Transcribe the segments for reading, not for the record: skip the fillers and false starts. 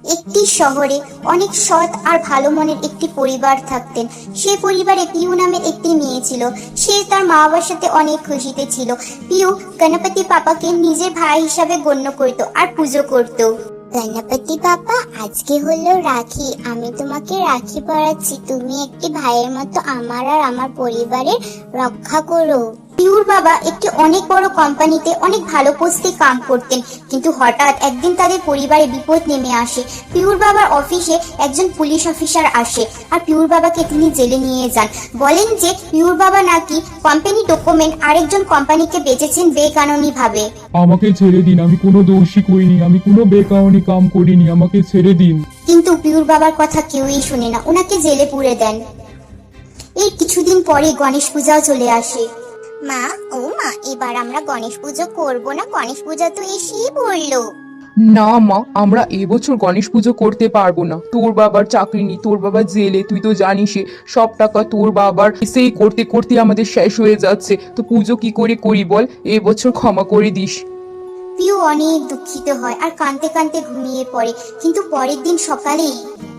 একটি শহরে অনেক সৎ আর ভালো মনের একটি পরিবার থাকতেন। সেই পরিবারে পিউ নামের একটি মেয়ে ছিল। সে তার মা বাবার সাথে অনেক খুশিতে ছিল। পিউ গণপতি পাপাকে নিজের ভাই হিসাবে গণ্য করত আর পুজো করত। গণপতি পাপা, আজকে হলো রাখি। আমি তোমাকে রাখি পরাচ্ছি। তুমি একটি ভাইয়ের মতো আমার আর আমার পরিবারের রক্ষা করো। পিউর বাবা একটি অনেক বড় কোম্পানিতে অনেক ভালো পোস্টে কাম করতেন, কিন্তু হঠাৎ একদিন তাদের পরিবারে বিপদ নেমে আসে। পিউর বাবার অফিসে একজন পুলিশ অফিসার আসে আর পিউর বাবাকে তিনি জেলে নিয়ে যান। বলেন যে পিউর বাবা নাকি কোম্পানি ডকুমেন্ট আরেকজন কোম্পানিকে বেচেছেন বেকানুনি ভাবে। আমাকে ছেড়ে দিন, আমি কোনো দোষী করিনি, আমি কোনো বেকানুনি কাম করিনি, আমাকে ছেড়ে দিন। কিন্তু পিউর বাবার কথা কেউই শুনে না, ওনাকে জেলে পুরে দেন। এই কিছুদিন পরে গণেশ পূজাও চলে আসে। মা, ও মা, এবার আমরা গণেশ পুজো করব না? গণেশ পূজা তো এসেই পড়লো। না মা, আমরা এবছর গণেশ পুজো করতে পারবো না। তোর বাবার চাকরি নেই, তোর বাবা জেলে, তুই তো জানিস সব টাকা তোর বাবার সেই করতে করতে আমাদের শেষ হয়ে যাচ্ছে। তো পুজো কি করে করি বল, এবছর ক্ষমা করে দিস। পিউ অনেক দুঃখিত হয় আর কাঁদতে কাঁদতে ঘুমিয়ে পড়ে। কিন্তু পরের দিন সকালেই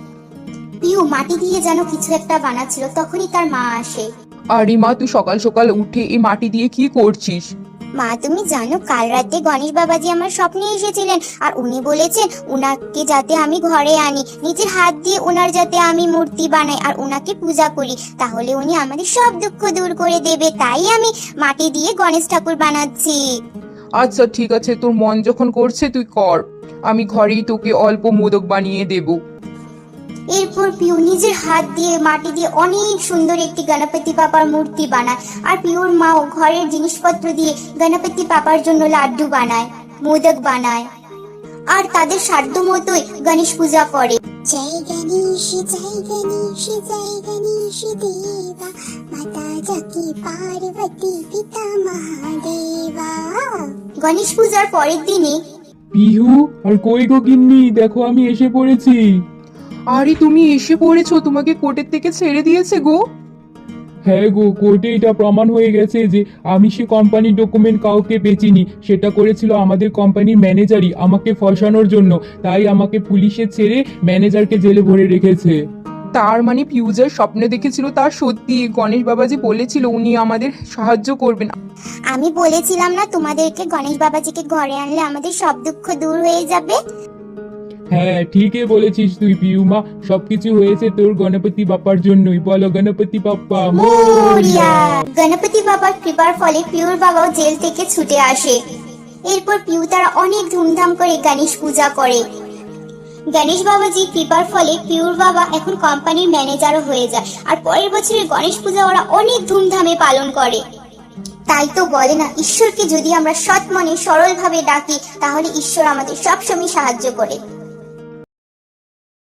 পিউ মাটি দিয়ে যেন কিছু একটা বানাচ্ছিল, তখনই তার মা আসে। আরে মা, তুই সকাল সকাল উঠে এই মাটি দিয়ে কি করছিস? মা, তুমি জানো কাল রাতে গণেশ বাবাজি আমার স্বপ্নে এসেছিলেন আর উনি বলেছেন উনাকে যাতে আমি ঘরে আনি, নিজের হাত দিয়ে ওনার যাতে আমি মূর্তি বানাই আর ওনাকে পূজা করি, তাহলে উনি আমাদের সব দুঃখ দূর করে দেবে। তাই আমি মাটি দিয়ে গণেশ ঠাকুর বানাচ্ছি। আচ্ছা ঠিক আছে, তোর মন যখন করছে তুই কর, আমি ঘরেই তোকে অল্প মোদক বানিয়ে দেবো। এরপর পিউ নিজের হাত দিয়ে মাটি দিয়ে অনেক সুন্দর একটি গণপতি বাবার মূর্তি বানায় আর পিউর মাও ঘরের জিনিসপত্র দিয়ে গণপতি বাবার জন্য লাড্ডু বানায়, মোদক বানায় আর তাদের সাধ্য মতোই গণেশ পূজা করে। জয় গণেশ, জয় গণেশ, জয় গণেশ দেবা, মাতা জাকি পার্বতী পিতা মহাদেবা। গণেশ পূজার পরের দিনে পিহু, আর কই গো গিন্নি, দেখো আমি এসে পড়েছি। আরে তুমি এসে পড়েছো, তোমাকে কোর্টের থেকে ছেড়ে দিয়েছে গো। হ্যাঁ গো, কোর্টে এটা প্রমাণ হয়ে গেছে যে আমি সে কোম্পানির ডকুমেন্ট কাউকে বেচিনি, সেটা করেছিল আমাদের কোম্পানির ম্যানেজারই আমাকে ফসানোর জন্য। তাই আমাকে পুলিশে ছেড়ে ম্যানেজারকে জেলে ভরে রেখেছে। তার মানে ফিউজার স্বপ্নে দেখেছিল তার সত্যি, গণেশ বাবাজি বলেছিল উনি আমাদের সাহায্য করবেন। আমি বলেছিলাম না তোমাদেরকে গণেশ বাবাজিকে ঘরে আনলে আমাদের সব দুঃখ দূর হয়ে যাবে। হ্যাঁ, ঠিকই বলেছিস তুই পিউমা, সবকিছু হয়েছে তোর গণপতি বাপ্পার জন্যই। বলো গণপতি বাপ্পা মোরিয়া। গণপতি বাবার কৃপার ফলে পিউর বাবাও জেল থেকে ছুটে আসে। এরপর পিউ তারা অনেক ধুমধাম করে গণেশ পূজা করে। গণেশ বাবাজি কৃপার ফলে পিউর বাবা এখন কোম্পানির ম্যানেজারও হয়ে যায় আর পরের বছরের গণেশ পূজা ওরা অনেক ধুমধামে পালন করে। তাই তো বলে না, ঈশ্বরকে যদি আমরা সৎ মনে সরল ভাবে ডাকি তাহলে ঈশ্বর আমাদের সবসময় সাহায্য করে।